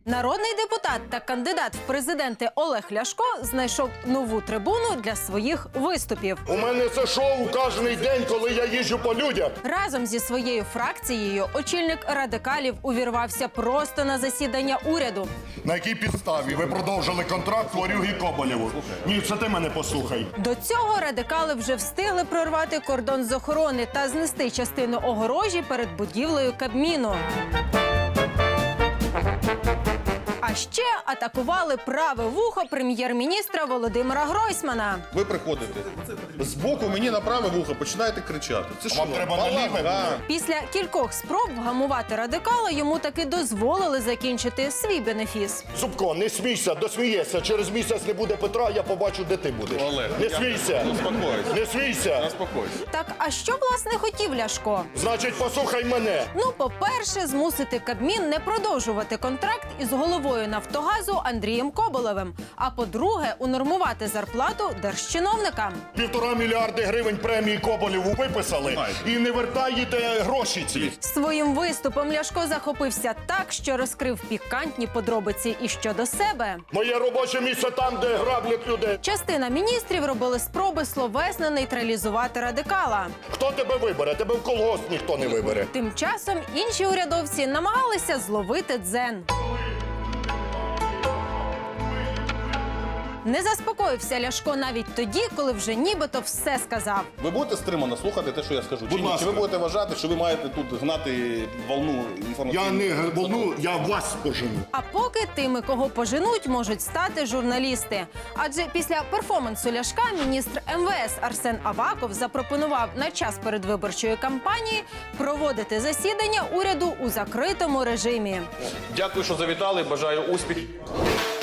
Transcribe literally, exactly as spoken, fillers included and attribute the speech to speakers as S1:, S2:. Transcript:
S1: Народний депутат та кандидат в президенти Олег Ляшко знайшов нову трибуну для своїх виступів.
S2: У мене це шоу кожен день, коли я їжджу по людях.
S1: Разом зі своєю фракцією очільник радикалів увірвався просто на засідання уряду.
S2: На якій підставі ви продовжили контракт Ворюги Коболєву? Ні, це ти мене послухай.
S1: До цього радикали вже встигли прорвати кордон з охорони та знести частину огорожі перед будівлею Кабміну. А ще атакували праве вухо прем'єр-міністра Володимира Гройсмана.
S3: Ви приходите з боку мені на праве вухо починаєте кричати. Це що?
S2: Вам треба на ліве?
S3: Да.
S1: Після кількох спроб вгамувати радикала йому таки дозволили закінчити свій бенефіс.
S2: Зубко, не смійся, досмієшся. Через місяць не буде Петра, я побачу, де ти будеш.
S3: Олег,
S2: не
S3: я-
S2: смійся.
S3: Успокойся.
S2: Не смійся.
S3: Заспокойся.
S1: Так, а що, власне, хотів Ляшко?
S2: Значить, послухай мене.
S1: Ну, по-перше, змусити Кабмін не продовжувати контракт із головою «Нафтогазу» Андрієм Коболєвим. А по-друге, унормувати зарплату держчиновникам.
S2: Півтора мільярди гривень премії Коболєву виписали і не вертаєте гроші ці.
S1: Своїм виступом Ляшко захопився так, що розкрив пікантні подробиці і щодо себе.
S2: Моє робоче місце там, де граблять людей.
S1: Частина міністрів робили спроби словесно нейтралізувати радикала.
S2: Хто тебе вибере? Тебе в колгосп ніхто не вибере.
S1: Тим часом інші урядовці намагалися зловити дзен. Не заспокоївся Ляшко навіть тоді, коли вже нібито все сказав.
S3: Ви будете стримано слухати те, що я скажу? Чи
S2: Будь
S3: ні?
S2: ласка.
S3: Чи ви будете вважати, що ви маєте тут гнати волну інформаційну?
S2: Я не волну, я вас пожену.
S1: А поки тими, кого поженуть, можуть стати журналісти. Адже після перформансу Ляшка міністр ем ве ес Арсен Аваков запропонував на час передвиборчої кампанії проводити засідання уряду у закритому режимі.
S3: Дякую, що завітали. Бажаю успіхів.